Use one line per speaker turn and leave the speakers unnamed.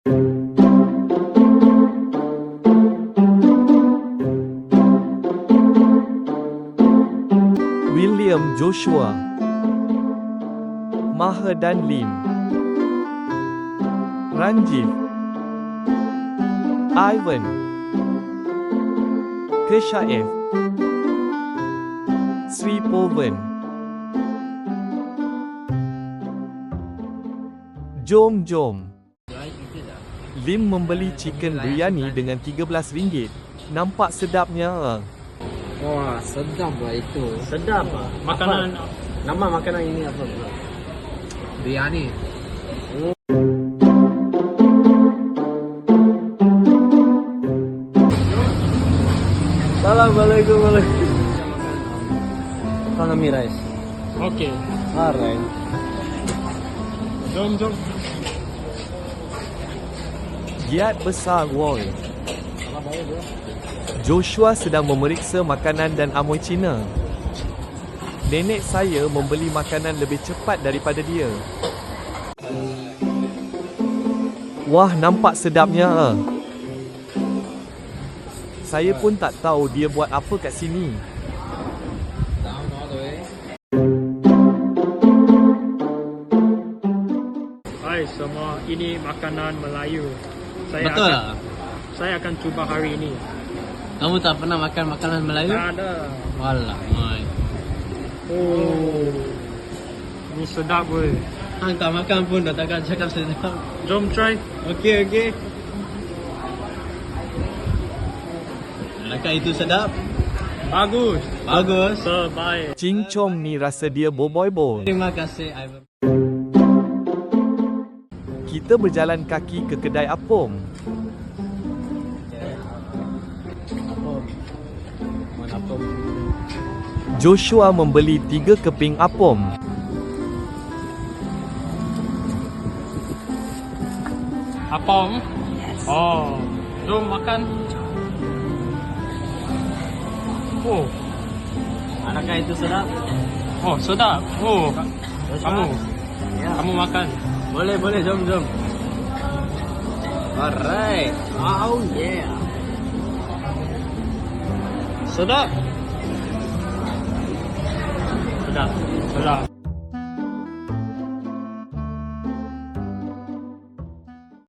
William Joshua, Mahadan Lim, Ranjiv, Ivan, Keshaev, Sri Povan. Jom. Lim membeli chicken biryani dengan RM13. Nampak sedapnya.
Wah, sedap lah itu.
Sedap ah. Makanan
Nama makanan ini apa bro? Biryani. Assalamualaikum Economy rice.
okey.
Alright.
Jom.
Giat besar woi. Joshua sedang memeriksa makanan dan amoy Cina. Nenek saya membeli makanan lebih cepat daripada dia. Wah, nampak sedapnya. Saya pun tak tahu dia buat apa kat sini.
Hai semua, ini makanan Melayu.
Betul lah.
Saya akan cuba hari ini.
Kamu tak pernah makan makanan Melayu?
Tak ada.
Walah, mai.
Oh. Ini sedap weh.
Hang tak makan pun dah takkan cakap sedap.
Jom try.
Okey. Adakah itu sedap?
Bagus. Sebaik.
Cincong ni rasa dia boboiboy.
Terima kasih Ivan.
Kita berjalan kaki ke kedai apom.
Apa?
Joshua membeli 3 keping apom.
Apom. Oh. Jom makan. Oh.
Adakah itu sedap?
Oh, sedap. Oh. Kamu.
Ya.
Kamu makan.
Boleh, jom. Alright. Oh yeah.
Sedap.